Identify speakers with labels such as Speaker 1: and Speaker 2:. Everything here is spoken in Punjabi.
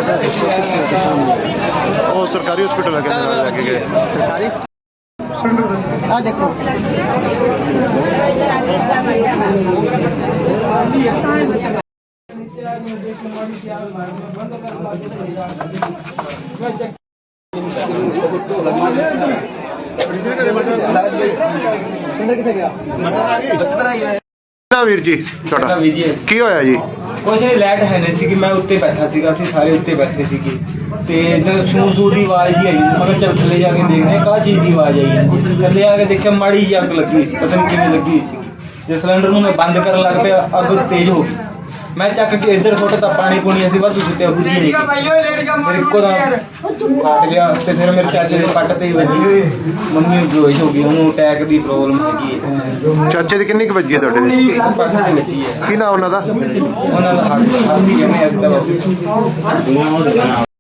Speaker 1: ਉਹ ਸਰਕਾਰੀ ਹਸਪੀਟਲ ਲੈ ਕੇ ਗਏ।
Speaker 2: सरकारी हाँ देखो
Speaker 1: ਵੀਰ ਜੀ ਤੁਹਾਡਾ ਕੀ ਹੋਇਆ ਜੀ?
Speaker 3: ਕੁਛ ਨਹੀਂ, ਲਾਈਟ ਹੈ ਨਹੀਂ ਸੀ ਕਿ ਮੈਂ ਉੱਤੇ ਬੈਠਾ ਸੀਗਾ, ਅਸੀਂ ਸਾਰੇ ਉੱਤੇ ਬੈਠੇ ਸੀਗੇ ਤੇ ਇਧਰ ਸੂ ਦੀ ਆਵਾਜ਼ ਹੀ ਆਈ। ਮੈਂ ਕਿਹਾ ਚੱਲ ਥੱਲੇ ਜਾ ਕੇ ਦੇਖਦੇ ਕਾਹ ਚੀਜ਼ ਦੀ ਆਵਾਜ਼ ਆਈ ਹੈ। ਥੱਲੇ ਆ ਕੇ ਦੇਖਿਆ ਮਾੜੀ ਜਿਹੀ ਅੱਗ ਲੱਗੀ ਹੋਈ ਸੀ, ਪਤਾ ਨਹੀਂ ਕਿਵੇਂ ਲੱਗੀ ਹੋਈ ਸੀ। ਜੇ ਸਿਲੰਡਰ ਨੂੰ ਮੈਂ ਬੰਦ ਕਰਨ ਲੱਗ ਪਿਆ ਅੱਗ ਤੇਜ਼ ਹੋ ਗਈ। ਮੈਂ ਚੱਕ ਕੇ ਇੱਧਰ ਸੁੱਟਤਾ ਪਾਣੀ ਪੂਣੀ, ਅਸੀਂ ਬਸ ਸੁੱਟਿਆ ਬੁੱਝੀ ਨਹੀਂ। ਫਿਰ ਇੱਕੋ ਦਾ ਕੱਟ ਗਿਆ ਤੇ ਫਿਰ ਮੇਰੇ ਚਾਚੇ ਦੇ ਪੱਟ ਤੇ ਹੀ ਵੱਜੀ। ਮੰਮੀ ਬੇਹੋਸ਼ ਹੋ ਗਈ, ਉਹਨੂੰ ਅਟੈਕ ਦੀ ਪ੍ਰੋਬਲਮ ਹੈਗੀ ਹੈ।
Speaker 1: ਚਾਚੇ ਦੀ ਕਿੰਨੀ ਕੁ ਵੱਜੀ ਹੈ ਤੁਹਾਡੇ ਦੀ?
Speaker 3: ਪਰਸੋਂ ਦੀ ਵੱਜੀ ਹੈ।
Speaker 1: ਕੀ ਨਾਮ ਉਹਨਾਂ ਦਾ?
Speaker 3: ਉਹਨਾਂ ਦਾ ਹੱਥ ਹੀ ਕਹਿੰਦੇ ਅੱਜ ਤਾਂ ਬਸ